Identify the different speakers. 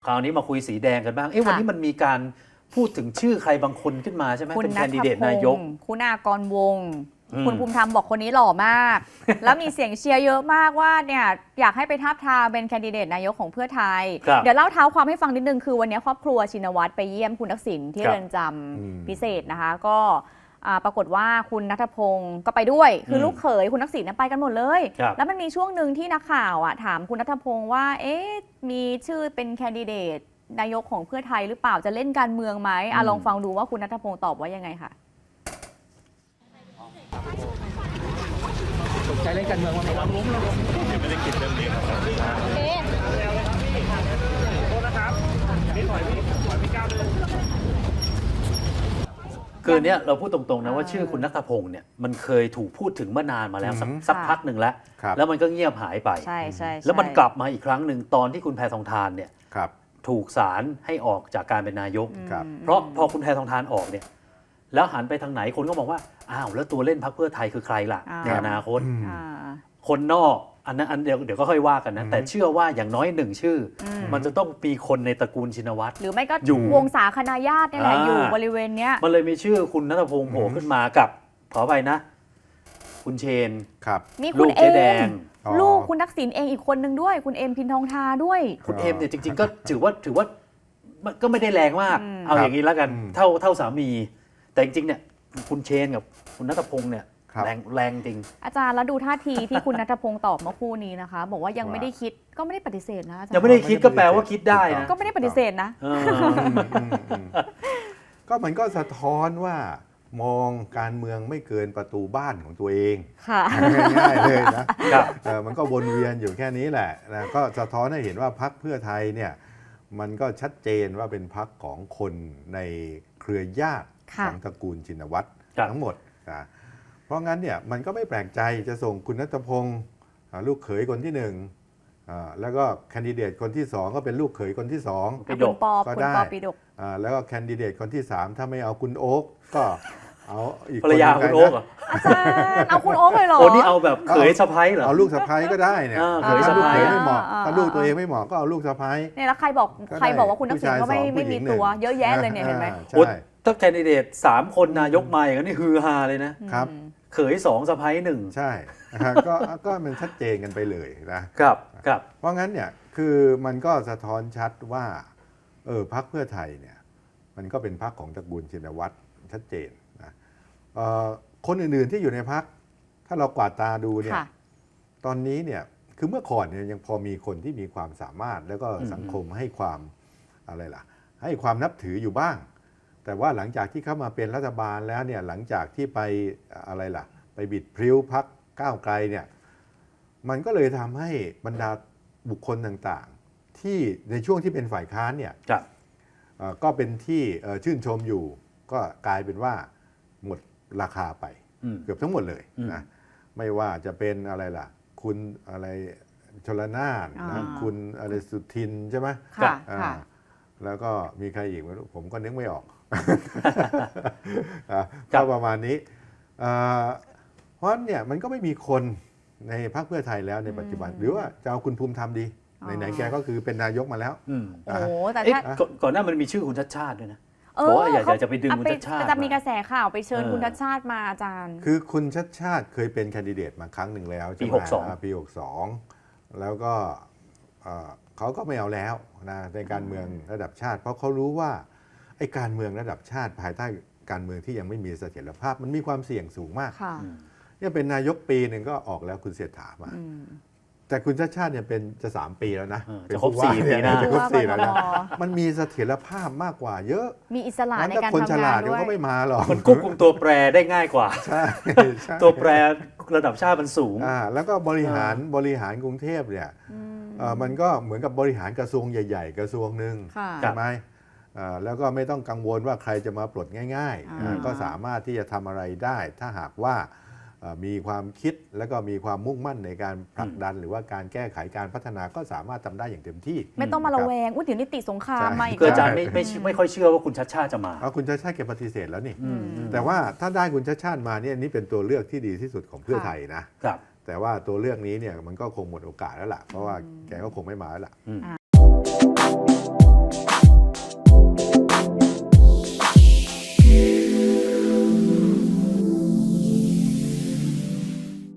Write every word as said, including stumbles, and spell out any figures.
Speaker 1: คราวนี้มาคุยสีแดงกันบ้างเอ๊ะวันนี้มันมีการพูดถึงชื่อใครบางคนขึ้นมาใช่ไหมเป็นแคนดิเดตนายก
Speaker 2: คุณากรวงศ์คุณภูมิธรรมบอกคนนี้หล่อมาก แล้วมีเสียงเชียร์เยอะมากว่าเนี่ยอยากให้ไปทาบทามเป็นแคนดิเดตนายกของเพื่อไทย เดี๋ยวเล่าเท้าความให้ฟังนิดนึงคือวันนี้ครอบครัวชินวัตรไปเยี่ยมคุณทักษิณที่เรือนจำพิเศษนะคะก็ปรากฏว่าคุณณัฐพงศ์ก็ไปด้วยคือลูกเขยคุณทักษิณไปกันหมดเลยแล้วมันมีช่วงหนึ่งที่นักข่าวถามคุณณัฐพงศ์ว่าเอ๊ะมีชื่อเป็นแคนดิเดตนายกของเพื่อไทยหรือเปล่าจะเล่นการเมืองไหมอ่ะลองฟังดูว่าคุณณัฐพงศ์ตอบว่ายังไงค่ะ
Speaker 3: สนใจเล่นการเมืองว่าไงครับล้มแล้วไม่ได้คิดเรื่องนี้ครับโอเคโทษนะครับนี่ถอยพี่ถอยพี่ก้าวเลย
Speaker 1: คือเนี้ยเราพูดตรงๆนะว่าชื่อคุณณัฐพงศ์เนี่ยมันเคยถูกพูดถึงเมื่อนานมาแล้วสักพักหนึ่งแล้วแล้วมันก็เงียบหายไป
Speaker 2: ใช่ใช่
Speaker 1: แล้วมันกลับมาอีกครั้งหนึ่งตอนที่คุณแพทองธารเนี่ยถูกศาลให้ออกจากการเป็นนายกเพราะพอคุณแพทองธารออกเนี่ยแล้วหันไปทางไหนคนก็มองว่าอ้าวแล้วตัวเล่นพรรคเพื่อไทยคือใครล่ะในอนาคตคนนอกอันนั้นอันเดียวเดี๋ยวก็ค่อยว่ากันนะแต่เชื่อว่าอย่างน้อยหนึ่งชื่อมันจะต้องมีคนในตระกูลชินวัตร
Speaker 2: หรือไม่ก็วงศาคณาญาตินี่แหละอยู่บริเวณเนี้ย
Speaker 1: มันเลยมีชื่อคุณณัฐพงศ์โผล่ขึ้นมากับขอไปนะคุณเชน
Speaker 2: มีคุณเอมลูกคุณทักษิณเองอีกคนนึงด้วยคุณเอมพินทองทาด้วย
Speaker 1: คุณเอมเนี่ยจริงๆก็ถือว่าถือว่าก็ไม่ได้แรงมากเอาอย่างนี้แล้วกันเท่าเท่าสามีแต่จริงๆเนี่ยคุณเชนกับคุณณัฐพงศ์เนี่ยแรงแรงจริง
Speaker 2: อาจารย์แล้วดูท่าทีที่คุณณัฐพงศ์ตอบเมื่อคู่นี้นะคะบอกว่ายังไม่ได้คิดก็ไม่ได้ปฏิเสธนะ
Speaker 1: ยังไม่ได้คิดก็แปลว่าคิดได้นะ
Speaker 2: ก็ไม่ได้ปฏิเสธนะ
Speaker 4: ก็มันก็สะท้อนว่ามองการเมืองไม่เกินประตูบ้านของตัวเองง่ายๆเลยนะมันก็วนเวียนอยู่แค่นี้แหละนะก็สะท้อนให้เห็นว่าพรรคเพื่อไทยเนี่ยมันก็ชัดเจนว่าเป็นพรรคของคนในเครือญาติของตระกูลชินวัตรทั้งหมดนะเพราะงั้นเนี่ยมันก็ไม่แปลกใจจะส่งคุณณัฐพงศ์ลูกเขยคนที่หนึ่งแล้วก็แคนดิเดตคนที่สองก็เป็นลูกเขยคนที่สอง
Speaker 2: ก็ได้
Speaker 4: แล้วก็แคนดิเดตคนที่สามถ้าไม่เอาคุณโอ๊กก็เอาอีก
Speaker 1: ภรรยาคุณโอ๊ก
Speaker 2: อาจารย์เอาคุณโอ๊กเลยเหรอ
Speaker 1: โอ้นี่เอาแบบเขยสะใภ้เหรอ
Speaker 4: เอาลูกสะใภ้ก็ได้เนี่ย
Speaker 1: เขยสะใภ้
Speaker 4: ไม่เหมาะถ้าลูกตัวเองไม่เหมาะก็เอาลูกสะใภ้
Speaker 2: เนี่ยแล้วใครบอกใครบอกว่าคุณทักษิณก็ไม่ไม่มีตัวเยอะแยะเลยเนี่ยเห็นไหม
Speaker 1: ถ้าแคนดิเดตสามคนนายกมาอย่างนี้ฮือฮาเลยนะครับเขยสองสะใภ้หนึ่ง
Speaker 4: ใช่ก็ก็มันชัดเจนกันไปเลย
Speaker 1: นะครับครับ
Speaker 4: เพราะงั้นเนี่ยคือมันก็สะท้อนชัดว่าเออพรรคเพื่อไทยเนี่ยมันก็เป็นพรรคของตระกูลชินวัตรชัดเจนนะคนอื่นๆที่อยู่ในพรรคถ้าเรากวาดตาดูเนี่ยตอนนี้เนี่ยคือเมื่อก่อนเนี่ยยังพอมีคนที่มีความสามารถแล้วก็สังคมให้ความอะไรล่ะให้ความนับถืออยู่บ้างแต่ว่าหลังจากที่เข้ามาเป็นรัฐบาลแล้วเนี่ยหลังจากที่ไปอะไรล่ะไปบิดพริ้วพรรคก้าวไกลเนี่ยมันก็เลยทำให้บรรดาบุคคลต่างๆที่ในช่วงที่เป็นฝ่ายค้านเนี่ยก็เป็นที่ชื่นชมอยู่ก็กลายเป็นว่าหมดราคาไปเกือบทั้งหมดเลยนะไม่ว่าจะเป็นอะไรล่ะคุณอะไรชลนานนะคุณอะไรสุทินใช่ไหมแล้วก็มีใครอีกไม่รู้ผมก็นึกไม่ออกก็ประมาณนี้เพราะเนี่ยมันก็ไม่มีคนในพรรคเพื่อไทยแล้วในปัจจุบันหรือว่าจะเอาคุณภูมิธรรมดีไหนๆแกก็คือเป็นนายกมาแล้ว
Speaker 2: โอ้แต่
Speaker 1: ก่อนหน้ามันมีชื่อคุณชัดชาติด้วยนะบอกว่าอยากจะไปดึงคุณชัดชาติ
Speaker 2: จะมีกระแสข่าวไปเชิญคุณชัดชาติมาอาจารย์
Speaker 4: คือคุณชัดชาติเคยเป็นแคนดิเดตมาครั้งหนึ่งแล้ว
Speaker 1: ปีหกสอง
Speaker 4: ปีหกสองแล้วก็เขาก็ไม่เอาแล้วนะในการเมืองระดับชาติเพราะเขารู้ว่าไอ้การเมืองระดับชาติภายใต้การเมืองที่ยังไม่มีเสถียรภาพมันมีความเสี่ยงสูงมากเนี่ยเป็นนายกปีหนึ่งก็ออกแล้วคุณเศรษฐามาแต่คุณชาติชาติเนี่ยเป็นจะสามปีแล้วนะ
Speaker 1: จะครบสี่ปีนะ
Speaker 4: จะครบสี่แล้วนะมันมีเสถียรภาพมากกว่าเยอะ
Speaker 2: มีอิสระในการทำงานด้วย
Speaker 4: คนฉลาดก็ไม่มาหรอก
Speaker 1: มันควบคุมตัวแปรได้ง่ายกว่า
Speaker 4: ใช่
Speaker 1: ตัวแปรระดับชาติมันสูง
Speaker 4: อ่าแล้วก็บริหารบริหารกรุงเทพเนี่ยมันก็เหมือนกับบริหารกระทรวงใหญ่ๆกระทรวงหนึ่งใช่ไหมแล้วก็ไม่ต้องกังวลว่าใครจะมาปลดง่ายๆก็สามารถที่จะทำอะไรได้ถ้าหากว่ามีความคิดและก็มีความมุ่งมั่นในการผลักดันหรือว่าการแก้ไขการพัฒนาก็สามารถทำได้อย่างเต็มที่
Speaker 2: ไม่ต้องมาระแวงอุ้ยเดี๋ยวนิติสงครามมาอีก
Speaker 1: อาจารย์ไม่ไม่ไม่ค่อยเชื่อว่าคุณชัดชาติจะมา
Speaker 4: คุณชัดชาติแกปฏิเสธแล้วนี่แต่ว่าถ้าได้คุณชัดชาติมาเนี่ยนี่เป็นตัวเลือกที่ดีที่สุดของเพื่อไทยนะแต่ว่าตัวเลือกนี้เนี่ยมันก็คงหมดโอกาสแล้วล่ะเพราะว่าแกก็คงไม่มาแล้วล่ะ